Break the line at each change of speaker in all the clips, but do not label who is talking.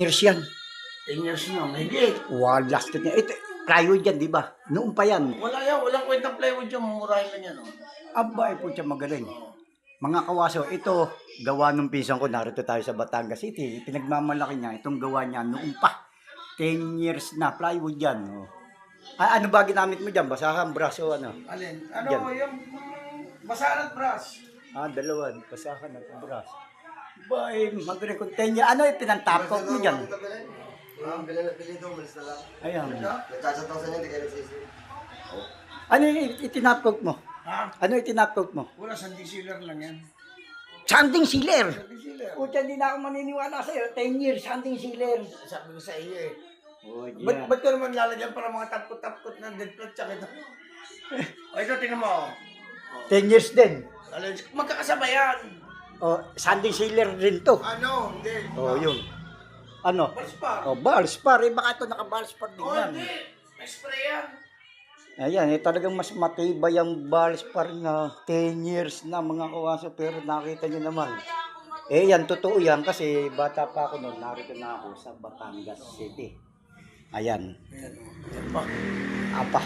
Years yan.
10 years na, mahigit.
Wow, lasted niya. Ito, plywood yan, di ba? Noon pa yan.
Wala yan, walang kwentang plywood yan, mumurahin lang yan. Oh.
Aba, po siya magaling. Mga kawaso, ito, gawa nung pinsan ko, narito tayo sa Batangas City. Pinagmamalaki niya, itong gawa niya noon pa. 10 years na, plywood yan. Oh. Ano ba ginamit mo dyan? Basahan, brush o ano?
Alin? Ano,
Yan.
yung basahan at brush.
Dalawa, basahan at brush. Ba, magaling kung 10 years. Ano pinantapot mo dyan?
Bili daw, malis na lang.
Ayan.
Nagtsatsaw sa niya, hindi kayo nagsisi.
Ano yung itinapot mo?
Ha?
Ano itinapot mo?
Wala, sanding sealer lang yan.
Sanding sealer!
Sanding sealer.
Pucha, hindi na ako maniniwala sa'yo. 10 years, sanding sealer.
Sabi ko sa iyo eh.
Oh,
Ba't ko naman lalagyan para mga tapkot-tapkot na dead plot tsaka ito? O ito, tingnan mo.
10 years din.
Magkakasama yan.
Oh, sanding sealer rin to.
Ano? Hindi.
Oh, yun. Ano?
Valspar.
Oh, Valspar. Baka ito naka-Valspar din
Oh,
yan.
hindi. May spray yan.
Ayan, talagang mas matibay ang Valspar na 10 years na mga kawaso. Pero nakita nyo naman. Yan, totoo yan. Kasi bata pa ako noon. Narito na ako sa Batangas City. Ayan.
Yan pa.
Apa.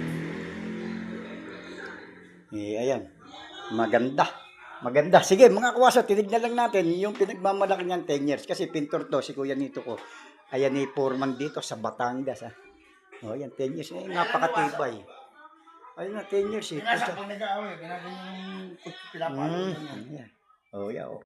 Ayan. Maganda. Maganda. Sige, mga kawaso, tinignan lang natin yung pinagmamalaki niyan 10 years. Kasi pintor to, si Kuya Nito ko. Ayan, foreman dito sa Batangas. O, ayan, 10 years. Napakatibay. Ayun na, 10 years.
Pinasa pag nag-aaway, ginagawa yung pinapalo.
Ayan. O, yan.